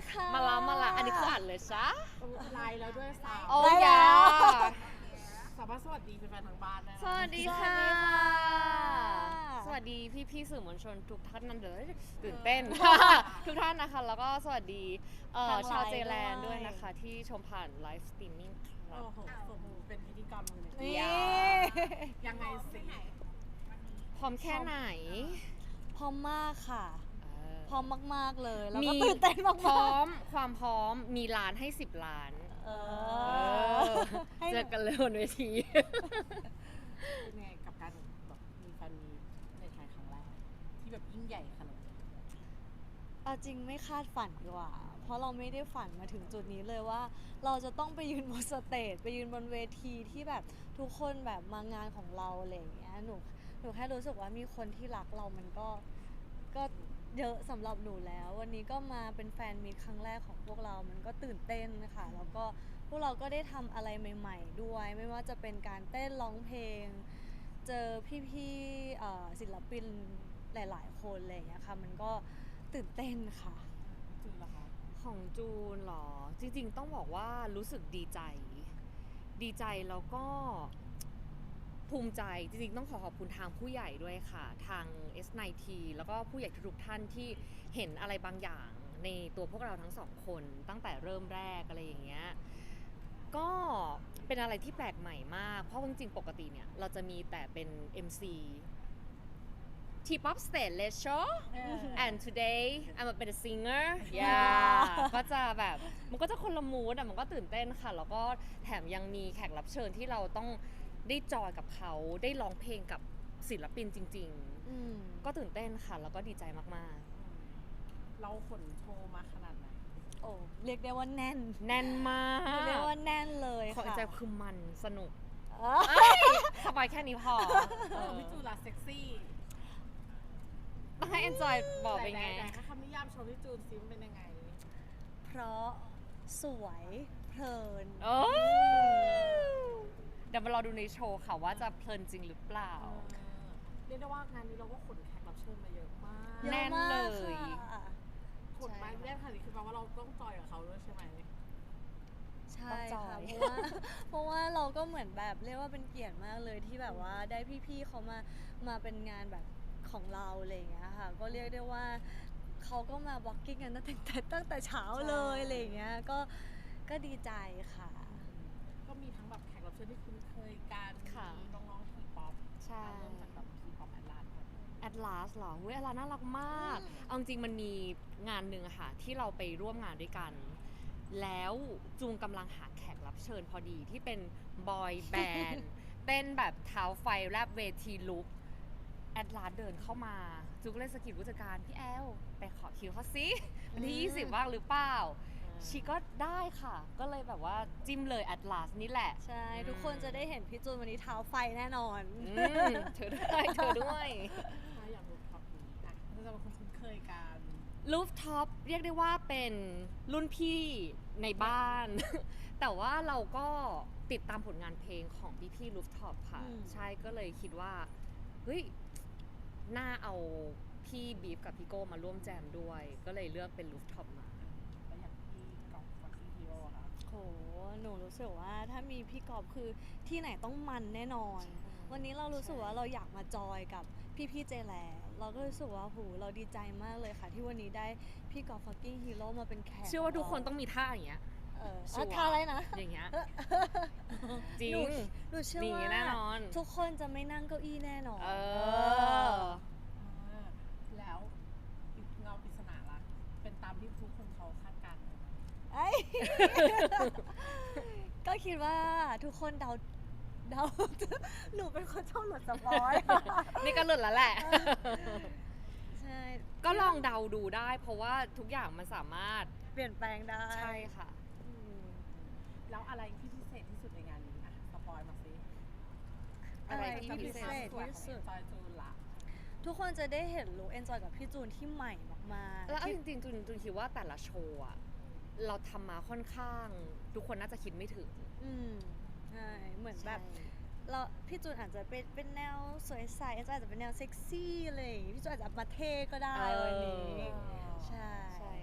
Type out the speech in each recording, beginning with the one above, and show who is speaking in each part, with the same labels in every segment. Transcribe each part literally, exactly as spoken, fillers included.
Speaker 1: ค่ะ
Speaker 2: มาละมาละอันนี้คืออ่านเลยซะ
Speaker 3: ไลน์แล้วด้วยสาว
Speaker 2: โอ้
Speaker 1: ได้
Speaker 2: ย
Speaker 1: แล้ว
Speaker 3: สามารถสวัสดีแฟนๆทางบ้านได้นะ
Speaker 2: สวัสดีค่ะ
Speaker 1: สวัสดีค่ะ
Speaker 2: สวัสดีพี่พี่ๆสื่อมวลชนทุกท่านนั่นเลยตื่นเต้น ทุกท่านนะคะ แล้วก็สวัสดีเอ่อ
Speaker 1: ทางไลน์
Speaker 2: ชาวเจแลนด์
Speaker 1: ด้
Speaker 2: ด้
Speaker 1: ว
Speaker 2: วย ยนะคะ ที่ชมผ่านไลฟ์สตรีมมิ่งครั
Speaker 3: โอ้
Speaker 2: บ
Speaker 3: โหสมเป็นพิธีกรรมเลย
Speaker 1: นี่
Speaker 2: อย่า
Speaker 3: ยังไงสิ
Speaker 2: พร้อมแค่ไหน
Speaker 1: พร้อมมากค่ะ
Speaker 2: เออ
Speaker 1: พร้อมมากๆเลย แล้วก็
Speaker 2: มี
Speaker 1: ตื่นเต้นมากๆ
Speaker 2: พร้อมความพร้อมมีล้านให้สิบล้าน
Speaker 1: เอ
Speaker 2: เอ
Speaker 1: อ
Speaker 2: อ
Speaker 1: ให้
Speaker 2: เจอกันเลยบนเวที
Speaker 3: เป็นไงกับการแบบมีแฟนมีในไทยครั้งแรกที่แบบยิ่งใหญ่ขนาดนี้
Speaker 1: เอาจริงไม่คาดฝันดีกว่า เพราะเราไม่ได้ฝันมาถึงจุดนี้เลยว่า เราจะต้องไปยืนบนสเตจไปยืนบนเวทีที่แบบทุกคนแบบมางานของเราอะไรอย่างเงี้ยหนูหนูแค่รู้สึกว่ามีคนที่รักเรามันก็ก็เยอะสำหรับหนูแล้ว วันนี้ก็มาเป็นแฟนมีตครั้งแรกของพวกเรามันก็ตื่นเต้นนะคะแล้วก็พวกเราก็ได้ทำอะไรใหม่ ๆ ด้วย ไม่ว่าจะเป็นการเต้นร้องเพลง เจอพี่ๆเอ่อศิลปินหลาย ๆ คนอะไรอย่างเงี้ยค่ะมันก็ตื่นเต้นค่ะ
Speaker 3: จริงเหรอคะ
Speaker 2: ของจูนเหรอ จริงๆต้องบอกว่ารู้สึกดีใจ ดีใจแล้วก็ภูมิใจจริงๆต้องขอขอบคุณทางผู้ใหญ่ด้วยค่ะ ทาง เอส ไนน์ ที แล้วก็ผู้ใหญ่ทุกๆท่านที่เห็นอะไรบางอย่างในตัวพวกเราทั้งสองคนตั้งแต่เริ่มแรกอะไรอย่างเงี้ยก็เป็นอะไรที่แปลกใหม่มาก เพราะจริงๆปกติเนี่ยเราจะมีแต่เป็น เอ็ม ซี T-pop stage let's show
Speaker 3: เออ
Speaker 2: and today I'm a better singer yeah ก็จะแบบมันก็จะคนละมูดอ่ะมันก็ตื่นเต้นค่ะ แล้วก็แถมยังมีแขกรับเชิญที่เราต้องได้จอยกับเขาได้ร้องเพลงกับศิลปินจริง
Speaker 1: อืม
Speaker 2: ๆ ก็ตื่นเต้นค่ะ แล้วก็ดีใจมาก
Speaker 3: เราขนโชว์มาขนาดไหน
Speaker 1: โอ้เรียกได้ว่าแน่น
Speaker 2: ๆ แน่นมา
Speaker 1: เรียก
Speaker 2: ก
Speaker 1: ว่าแน่นเลย
Speaker 2: ขอ
Speaker 1: ค่ะ
Speaker 2: ใจคือมันสนุก
Speaker 1: เออ
Speaker 2: สบายแค่นี้พอเออ
Speaker 3: พี่จูนล่ะเซ็กซี่
Speaker 2: ต้องให้ enjoy บอกเป็นไง
Speaker 3: หนๆๆให้คำนิยามโชว์พี่จูนซิมเป็นยังไง
Speaker 1: เพราะสวยเพลิน
Speaker 2: โอ้เดี๋ยวมารอดูในโชว์ค่ะว่าจะเพลินจริงหรือเปล่า
Speaker 3: เออเรียกได้ว่างานนี้เราก็ขนแขกรับเชิญมาเยอะมาก
Speaker 1: เยอะ
Speaker 2: แน่น
Speaker 1: มาก
Speaker 2: เลย
Speaker 1: ค่ะ
Speaker 3: ขนมาแน่นขนาดนี้คือแปลว่าเราต้องจอยกับเขาด้วยใช่ไหม
Speaker 1: ใช่
Speaker 2: ต้องจอ
Speaker 1: ค่ะ
Speaker 2: ย
Speaker 1: เพราะว่า เพราะว่าเราก็เหมือนแบบเรียกว่าเป็นเกียรติมากเลยที่แบบว่าได้พี่ๆเขามามาเป็นงานแบบของเราอะไรอย่างเงี้ยค่ะ ก็เรียกได้ว่าเขาก็มา walking กันตั้งแต่ตั้งแต่เช้าเลยอะไรอย่างเงี้ยก็ก็ดีใจค่ะ
Speaker 3: ก็มีทั้งแบบแขกรับเชิญที่คุ้นเคยกัน
Speaker 2: ค่ะ
Speaker 3: มีน้องๆทีป๊อป
Speaker 2: ใช่
Speaker 3: เริ่มจากแบบทีป๊อปแอดลาสก่อน
Speaker 2: แอดลาสเหรอเว้ยแอดลาสน่ารักมาก เอาจริงๆมันมีงานหนึ่งอะค่ะ ที่เราไปร่วมงานด้วยกัน แล้วจูงกำลังหาแขกรับเชิญพอดีที่เป็นบอยแบนด์ เต้นแบบเท้าไฟแรบเวทีลุกแอดลาสเดินเข้ามา จูก็เลยสะกิดผู้จัดการพี่แอล ไปขอคิวเขาสิวันที่ยี่สิบว่างหรือเปล่า ชีก็ได้ค่ะ ก็เลยแบบว่าจิ้มเลยแอดลาสนี่แหละ
Speaker 1: ใช่ ทุกคนจะได้เห็นพี่จูนวันนี้เท้าไฟแน่นอน
Speaker 2: อืมเธอด้วยเธอด้วย
Speaker 3: ถ้าอยากรู้ท็อปนี้อ่ะเราจะเป็นคนคุ้นเคยกัน
Speaker 2: ลูฟท็อปเรียกได้ว่าเป็นรุ่นพี่ในบ้าน แต่ว่าเราก็ติดตามผลงานเพลงของพี่พี่ลูฟท็อปค่ะ
Speaker 1: อืม
Speaker 2: ใช่ก็เลยคิดว่า เฮ้ย น่าเอาพี่บีฟกับพี่โก้มาร่วมแจมด้วย ก็เลยเลือกเป็นลูฟท็อปมา
Speaker 3: แล้วอย่างที่กองฟักซี่ฮีโร่ค่ะ
Speaker 1: โห หนูรู้สึกว่าถ้ามีพี่กอบคือที่ไหนต้องมันแน่นอน วันนี้เรารู้สึกว่าเราอยากมาจอยกับพี่ๆเจแลเราก็รู้สึกว่าโหเราดีใจมากเลยค่ะ ที่วันนี้ได้พี่กอบ fucking hero มาเป็นแขก
Speaker 2: เชื่อว่าทุกคนต้องมีท่าอย่างเงี้ย
Speaker 1: เออ
Speaker 2: ชัวร์
Speaker 1: อ่ะทาอะไรนะ
Speaker 2: อย่างเงี้ย จริ
Speaker 1: หนู
Speaker 2: ง
Speaker 1: หนูเชื่อ
Speaker 2: มี
Speaker 1: ว่า
Speaker 2: แน่นอน
Speaker 1: ทุกคนจะไม่นั่งเก้าอี้แน่นอน
Speaker 2: เออ
Speaker 3: อ่าแล้วปิดเงาปริศนาละเป็นตามที่ทุกคนเขาคาดการณ์ไหม
Speaker 1: เอ้ย ก็คิดว่าทุกคนเดาเดา หนูเป็นคนชอบหลุดสปอย
Speaker 2: นี่ก็หลุดแล้วแหละ
Speaker 1: ใช่
Speaker 2: ก็ลองเดาดูได้ เพราะว่าทุกอย่างมันสามารถ
Speaker 1: เปลี่ยนแปลงได้
Speaker 2: ใช่ค่ะ
Speaker 1: อืม
Speaker 3: แล้วอะไรที่พิเศษที่สุดในงานนี้อ่ะสปอยมาสิ
Speaker 2: อะไรที่
Speaker 1: พิเศษ
Speaker 3: สวย
Speaker 1: ที่
Speaker 3: ของ
Speaker 1: สุด
Speaker 3: จอยจูนละ
Speaker 1: ทุกคนจะได้เห็นลุคเอนจอยกับพี่จูนที่ใหม่มากๆ
Speaker 2: แล้วเอา
Speaker 1: ที่
Speaker 2: จริงๆจูนจูนคิดว่าแต่ละโชว์อะเราทำมาค่อนข้าง ทุกคนน่าจะคิดไม่ถึง
Speaker 1: อืมใช่เหมือนแบบ
Speaker 2: ใช่
Speaker 1: เราพี่จูนอาจจะเป็นเป็นแนวสวยใสเอนจอยอาจจะเป็นแนวเซ็กซี่อะไรอย่างงี้พี่จูนอาจจะมาเท่ก็ได้วันนี้
Speaker 2: เออ
Speaker 1: ใช่
Speaker 2: ใช่ค่ะ
Speaker 3: เรา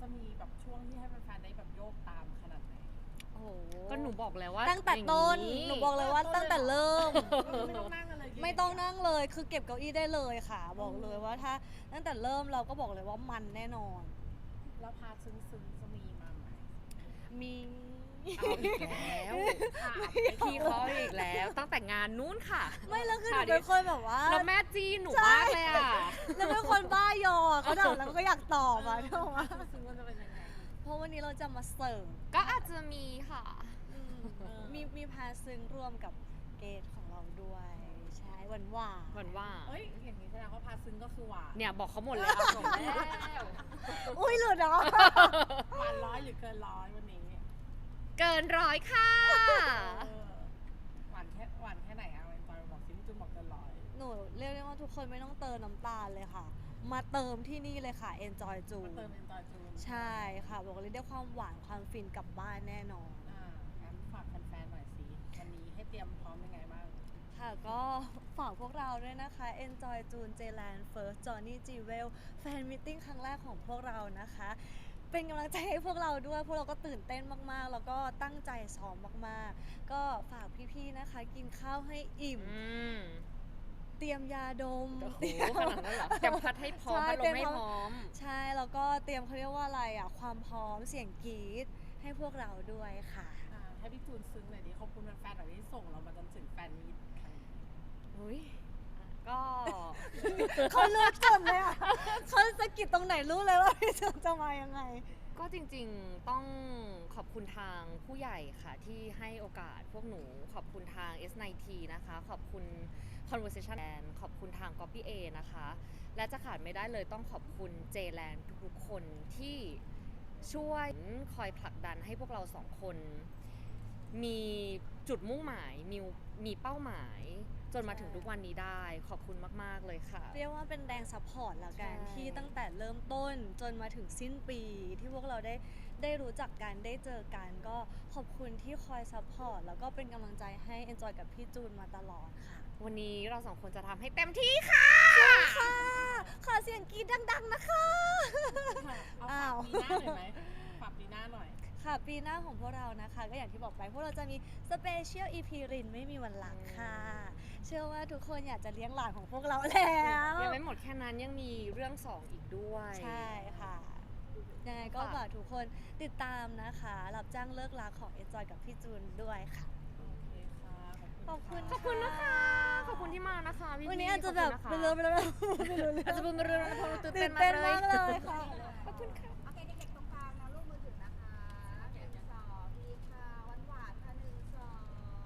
Speaker 3: จะมีแบบช่วงที่ให้แฟนๆได้แบบโยกตามขนาดไหน
Speaker 1: โอ้โห
Speaker 2: ก็หนูบอกแล้วว่า
Speaker 1: ตั้งแต่ต้น
Speaker 2: อย่าง
Speaker 1: หนูบอกเลยว่าตั้งแต่เริ่ม
Speaker 3: ไม่ต้องนั่งกันเลย
Speaker 1: ไม่ต้องนั่งเลย คือเก็บเก้าอี้ได้เลยค่ะ บอกเลยว่าถ้าตั้งแต่เริ่มเราก็บอกเลยว่ามันแน่นอน
Speaker 3: แล้วพาซึ้งๆจะมีมาไหม
Speaker 1: มี
Speaker 2: เอาอีกแล้วพี่เขาอีกแล้ว ตั้งแต่งานนู้นค่ะ
Speaker 1: ไม่แล้วคือห
Speaker 2: ค่ะ
Speaker 1: นูเป็นคนแบบว่า
Speaker 2: แล้วแม่จีหนูมากเลยอ่ะ
Speaker 1: แล้วเป็นคนบ้ายอเขาถามแล้วก็อยากตอบอ่ะถูกไหม
Speaker 3: ซึ้งๆมันจะเป็นยังไง
Speaker 1: เพราะวันนี้เราจะมาเสิร์ฟ
Speaker 2: ก็อาจจะมีค่ะ
Speaker 1: อืม
Speaker 3: เออ
Speaker 1: มีมีพาซึ้งร่วมกับเกดของเราด้วย ใช่หวานหวาน
Speaker 2: หวันว่า
Speaker 3: เอ้ยอย่างนี้แสดงว่าพาซึ้งก็คือหวาน
Speaker 2: เนี่ยบอกเขาหมดแล้วจบแล้ว
Speaker 1: อุ้ยหลุดเหรอ
Speaker 3: หวานร้อยหรือเกินร้อยวันนี้
Speaker 2: เกินร้อยค่ะ
Speaker 3: เออหวานแค่หวานแค่ไหนอะวันจอยบอกซิพี่จุนบอกเกินร้อย
Speaker 1: หนูเรียกได้ว่าทุกคนไม่ต้องเติมน้ำตาลเลยค่ะ มาเติมที่นี่เลยค่ะ Enjoy จู
Speaker 3: มาเติมเป็นจอยจูน
Speaker 1: ใช่ค่ะ บอกเลยได้ความหวานความฟินกลับบ้านแน่นอน
Speaker 3: อ่างั้นฝากแฟนๆหน่อยสิวันนี้ให้เตรียมพร้อมยังไงบ้าง
Speaker 1: ค่ะก็ฝากพวกเราด้วยนะคะ Enjoy June J-Land First Johnny Jewel แฟนมิทติ้งครั้งแรกของพวกเรานะคะ เป็นกำลังใจให้พวกเราด้วย พวกเราก็ตื่นเต้นมากๆ แล้วก็ตั้งใจซ้อมมากๆ ก็ฝากพี่ๆนะคะ กินข้าวให้อิ่ม
Speaker 2: อืม
Speaker 1: เตรียมยาดม
Speaker 2: โอ้โห
Speaker 1: เตรียม
Speaker 2: ขนาดนั้นเหรอเตรียมพัดให้พร้อม
Speaker 1: ใช่
Speaker 2: พัดล
Speaker 1: เตรีย
Speaker 2: ม
Speaker 1: ม
Speaker 2: ให้
Speaker 1: พร้อม
Speaker 2: พร้อม
Speaker 1: ใช่แล้วก็เตรียมเขาเรียกว่าอะไรอ่ะ ความพร้อมเสียงกรี๊ดให้พวกเราด้วยค่ะ
Speaker 3: อ่าให้พี่จูนซึ้งหน่อยดิขอบคุณแฟนๆหน่อยที่ส่งเรามาจนถึงแฟนมีตครั้งนี้
Speaker 2: อุ้ยก็
Speaker 1: เขาเลือกจนเลยอ่ะ เขาสะกิดตรงไหนรู้เลยว่าพี่เจนจะมายังไง
Speaker 2: ก็จริงๆต้องขอบคุณทางผู้ใหญ่ค่ะที่ให้โอกาสพวกหนู ขอบคุณทาง เอส ไนน์ ที นะคะ ขอบคุณ Conversation Land ขอบคุณทาง Copy A นะคะ และจะขาดไม่ได้เลยต้องขอบคุณ J-Land ทุกๆคนที่ช่วยคอยผลักดันให้พวกเราสองคน มีจุดมุ่งหมาย มีมีเป้าหมาย จนมาถึงทุกวันนี้ได้ ขอบคุณมากๆเลยค่ะ
Speaker 1: เรียกว่าเป็นแรงซัพพอร์ตละกัน
Speaker 2: ใช่
Speaker 1: ที่ตั้งแต่เริ่มต้นจนมาถึงสิ้นปี ที่พวกเราได้ได้รู้จักกันได้เจอกัน ก็ขอบคุณที่คอยซัพพอร์ตแล้วก็เป็นกำลังใจให้ Enjoy กับพี่จูนมาตลอดค่ะ
Speaker 2: วันนี้เราสองคนจะทำให้เต็มที่ค่ะ
Speaker 1: ค่ะขอเสียงกรี๊ดดัง ๆ นะคะ
Speaker 3: เอา
Speaker 1: อ้า
Speaker 3: ฝาว กปีหน้าหน่อยไหมฝากปีหน้าหน่อย
Speaker 1: ค่ะปีหน้าของพวกเรานะคะ ก็อย่างที่บอกไปพวกเราจะมีสเปเชียล อี พี รินไม่มีวันหลังค่ะ เชื่อว่าทุกคนอยากจะเลี้ยงหลานของพวกเราแล้ว
Speaker 2: ยังไม่หมดแค่นั้นยังมีเรื่องสองอีกด้วย
Speaker 1: ใช่ค่ะยังไงก็ฝากทุกคนติดตามนะคะ รับจ้างเลิกรักของ Enjoy กับพี่จูนด้วยค่ะ
Speaker 3: โอเคค่ะ
Speaker 1: ขอบคุณ
Speaker 2: ขอบคุณนะคะ ขอบคุณที่มานะคะพี่
Speaker 1: วันนี้
Speaker 2: ๆ
Speaker 1: อาจจะแบบ
Speaker 2: ข
Speaker 1: เป็น
Speaker 2: ณ
Speaker 1: เรื่
Speaker 2: นะ
Speaker 1: อง
Speaker 2: คะ
Speaker 1: เป็นเรื่องไม่รู้เรื่อง
Speaker 2: อาจจะเป็นเรื่องเพราะเราตื่น
Speaker 1: ตื่
Speaker 2: เต้
Speaker 1: น
Speaker 2: น
Speaker 1: เต้น
Speaker 2: มาม
Speaker 1: าก ก
Speaker 2: เล
Speaker 1: เลย ยค่ะ
Speaker 2: ขอบคุณค่ะ
Speaker 4: โอเคเด็กๆตรงกลางนะลูกมือถือนะคะหนึ่งสองดีค่ะหวานหวานๆค่ะหนึ่งสอง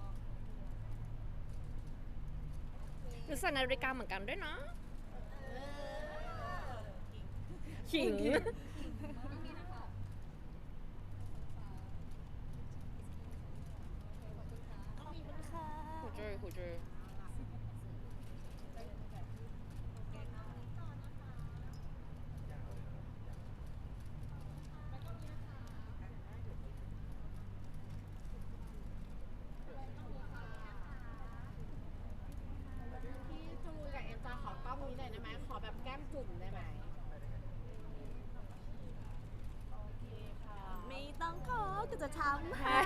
Speaker 4: โอเค
Speaker 2: หรือใส่นาฬิกาเหมือนกันด้วยนะ
Speaker 4: เออ
Speaker 2: ขิง
Speaker 1: ขอบคุณค่ะ
Speaker 2: หูเจอหูเจอ
Speaker 3: พี่จูนกับเอ็มจอยขอกล้องนี้หน่อยได้ไหมขอแบบแก้มจุ่มได้ไหมโอเคค่ะ
Speaker 1: ไม่ต้องขอก็จะทำให้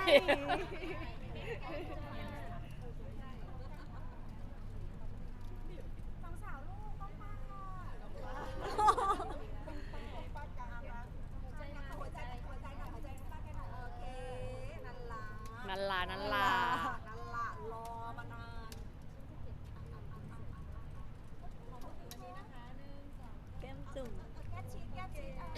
Speaker 4: สองสาวลูกต้องมาค่ะหัวใจหน่อยหัวใจหน่อยหัวใจหน่อยหัวใจป้าแกหน่อยโอเคนั่นล่ะ
Speaker 2: นันลานันลา
Speaker 4: นั่นล่ะรอมานาน
Speaker 1: แก้มจุ่ม
Speaker 4: แก้ชีสแก้ชีสเอ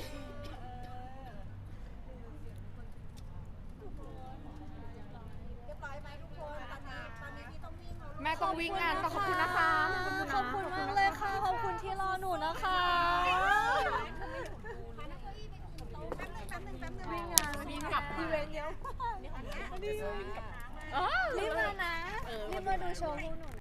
Speaker 4: อเรียบร้อยไหมทุกคนตอนนี้ตอนนี้พี่ต้องวิ่งแล้วลูก
Speaker 2: แม่ต้องวิ่งงานต้องขอบคุณนะคะ
Speaker 1: ขอบคุณมากเลยค่ะ ขอบคุณที่รอหนูนะคะ
Speaker 4: พานักเก้าอี้ไปอื่นโต๊ะแป๊บนึงแป๊บนึงแป๊บนึง
Speaker 1: วิ่งงาน
Speaker 3: วิ่งกลับ
Speaker 1: อีเวนต์เยอะมาก
Speaker 4: อันเนี้ย
Speaker 1: รีบ
Speaker 2: อ๋อ
Speaker 1: มานะ รีบมาดูโชว์พวกหนู